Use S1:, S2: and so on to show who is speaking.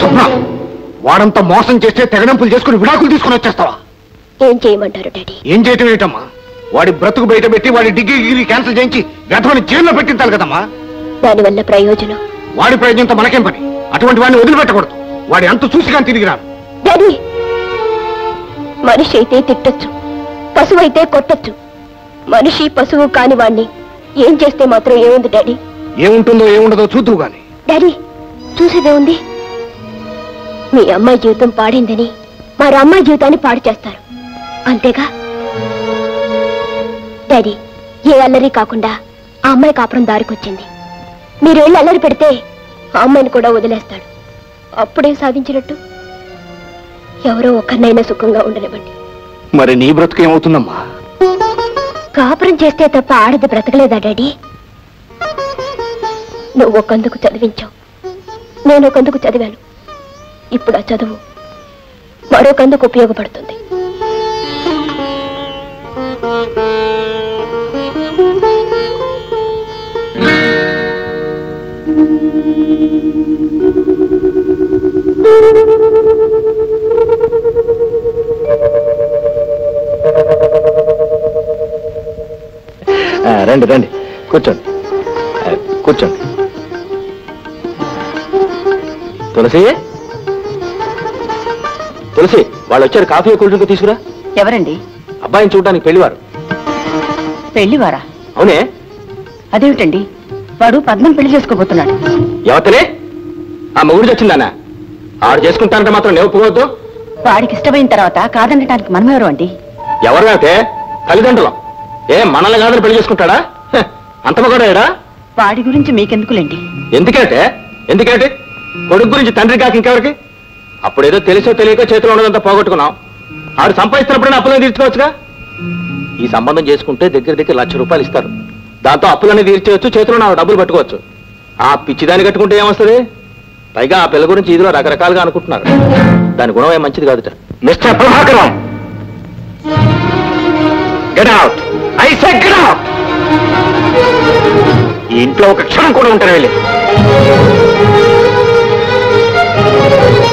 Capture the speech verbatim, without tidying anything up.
S1: స్వప్న, వాడంతా మోసం చేస్తే తెగడంపులు చేసుకుని విడాకులు తీసుకుని వచ్చేస్తావా?
S2: ఏం చేయమంటారు డాడీ?
S1: ఏం చేయటం ఏంటమ్మా? వాడి బ్రతుకు బయట పెట్టి వాడి డిగ్రీ డిగ్రీ క్యాన్సిల్ చేయించి గతమని జైల్లో పెట్టించాలి కదమ్మా.
S2: దానివల్ల ప్రయోజనం?
S1: వాడి ప్రయోజనంతో మనకేం పని? అటువంటి వాడిని వదిలిపెట్టకూడదు. వాడి అంత చూసి కానీ తిరిగి రాను.
S2: డాడీ, మనిషి అయితే తిట్టొచ్చు, పశువు అయితే కొట్టొచ్చు. మనిషి పశువు కాని వాణ్ణి ఏం చేస్తే మాత్రం ఏముంది డాడీ?
S1: ఏముంటుందో ఏముండదో చూద్దువు గాని.
S2: డాడీ, చూసేదే ఉంది. మీ అమ్మాయి జీవితం పాడిందని మరి అమ్మాయి జీవితాన్ని పాడు చేస్తారు, అంతేగా డాడీ? ఏ అల్లరి కాకుండా ఆ అమ్మాయి కాపురం దారికొచ్చింది. మీరు వెళ్ళి అల్లరి పెడితే ఆ అమ్మాయిని కూడా వదిలేస్తాడు. అప్పుడే సాధించినట్టు. ఎవరో ఒక్కరినైనా సుఖంగా ఉండనివ్వండి.
S1: మరి నీ బ్రతుకు ఏమవుతుందమ్మా?
S2: కాపురం చేస్తే తప్ప ఆడది బ్రతకలేదా డాడీ? నువ్వు ఒకందుకు చదివించావు, నేను ఒకందుకు చదివాను. ఇప్పుడు ఆ చదువు మరొకందుకు ఉపయోగపడుతుంది.
S1: రండి రండి, కూర్చోండి కూర్చోండి. తులసి, తులసి, వాళ్ళు వచ్చారు. కాఫీ కూల్ డ్రింక్ తీసుకురా.
S3: ఎవరండి?
S1: అబ్బాయిని చూడడానికి పెళ్లివారు.
S3: పెళ్లివారా?
S1: అవునే.
S3: అదేమిటండి, వాడు పద్మం పెళ్లి చేసుకోబోతున్నాడు.
S1: ఎవతలే? ఆ మొగుడు వచ్చిందానా? ఆడు చేసుకుంటానంటే మాత్రం నేను ఒప్పుకోవద్దు.
S3: వాడికి ఇష్టమైన తర్వాత కాదనటానికి మనం ఎవరు అండి?
S1: ఎవరు అయితే తల్లిదండ్రులం. ఏ మనల్ని కాదని పెళ్లి చేసుకుంటాడా? అంత మగడా?
S3: వాడి గురించి మీకెందుకులేండి.
S1: ఎందుకంటే ఎందుకంటే కొడుకు గురించి తండ్రి కాక ఇంకెవరికి? అప్పుడేదో తెలిసో తెలియక చేతిలో ఉన్నదంతా పోగొట్టుకున్నాం. ఆడు సంపాదిస్తున్నప్పుడైనా అప్పులను తీర్చుకోవచ్చుగా. ఈ సంబంధం చేసుకుంటే దగ్గర దగ్గర లక్ష రూపాయలు ఇస్తారు. దాంతో అప్పులన్నీ తీర్చవచ్చు, చేతిలో నా డబ్బులు పట్టుకోవచ్చు. ఆ పిచ్చిదాన్ని కట్టుకుంటే ఏమొస్తుంది? పైగా ఆ పిల్ల గురించి ఇదిలో రకరకాలుగా అనుకుంటున్నారు. దాని గుణం ఏం మంచిది కాదుట. Mister Prabhakaram, get out. I say get out. ఈ ఇంట్లో ఒక క్షణం కూడా ఉంటారు వెళ్ళి.